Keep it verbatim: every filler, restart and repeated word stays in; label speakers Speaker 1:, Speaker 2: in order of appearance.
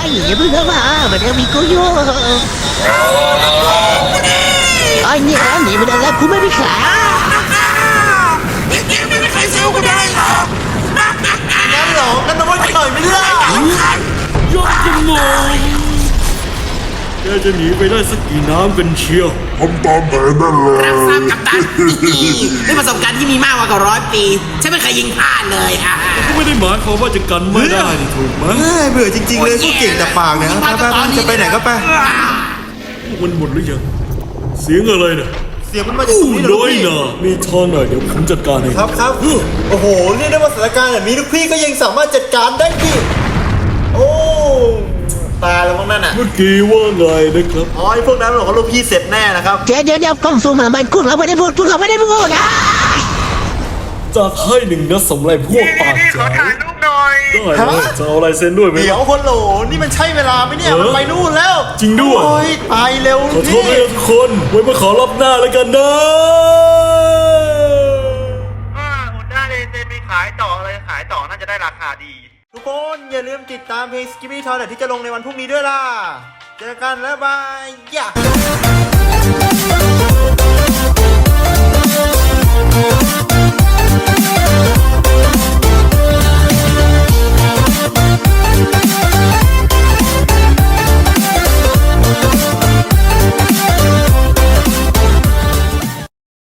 Speaker 1: อย่าเพิ่งเข้ามามาเดี๋ยวมีกูอยู่ไอ้เนี่ยหนีไม่ได้แล้วกูไม่มีขา
Speaker 2: ไม่มีใครสู้กูได้หรอก
Speaker 3: งั้นเหรองั้นน้องไม่ต่อยไม่ได้
Speaker 4: ยกจมูกแกจะหนีไปได้สักกี่น้ำกันเชียว
Speaker 5: ทำตามแผนนั่นเลย
Speaker 2: รับทราบกัปตันด้วยประสบการณ์ที่มีมากกว่าร้อยปีฉันไม่เคยยิงพลาดเลยอ่ะ
Speaker 4: ก็ไม่ได้หมายความว่าจะกันไม่ได้นี่ถูกไหม
Speaker 3: เฮ้ยเบื่อจริงๆเลยพวกเก่งแต่ปากเนี่ยไปไปไปจะไปไหนก็ไป
Speaker 4: มันหมดหรือยังเสียงอะไรเนี่ย
Speaker 3: เสียงมันมาจากตรงนี้เหรอ
Speaker 4: น้อย
Speaker 3: พี่
Speaker 4: น่ะมีทางหน่อยเดี๋ยวผมจัดการเอง
Speaker 3: ครับครับโอ้โหเรียกได้ว่าสถานการณ์แบบนี้ลูกพี่ก็ยังสามารถจัดการได้พี่โอ้ตายแล้วมั้งนั่นอ่ะ
Speaker 4: เมื่อกี้ว่าไงนะครับ
Speaker 3: อ๋อไอ้พวกนั้นบอกว่าลูกพี่เสร็จแน่นะครับ
Speaker 1: เดี๋ยวเดี๋ยวเดี๋ยวกล้องซูมมามันกูเราไม่ได้พูดกูเราไม่ได้พูดนะ
Speaker 4: จะให้หนึ่งนัดสำหรับพวกปากจ๋าได้เลยจะเอาลายเซ็นด้วยไหม
Speaker 3: เดี๋ยวคนโหลนี่มันใช่เวลาไหมเนี่ย
Speaker 4: เออ
Speaker 3: มันไปนู่นแล้ว
Speaker 4: จริงด้วย
Speaker 3: โอ้ยไปเร็ว
Speaker 4: ขอโทษ
Speaker 3: พี่
Speaker 4: ด้วยนะทุกคนไว้มาขอรับหน้าแล้วกันนะ
Speaker 6: อุนด้าเลเซนมีขายต่อเลยขายต่อน่าจะได้ราคาดี
Speaker 3: ทุกคนอย่าลืมติดตามเพลง Skippy Toilet ที่จะลงในวันพรุ่งนี้ด้วยล่ะเจอกันแล้วบายย่า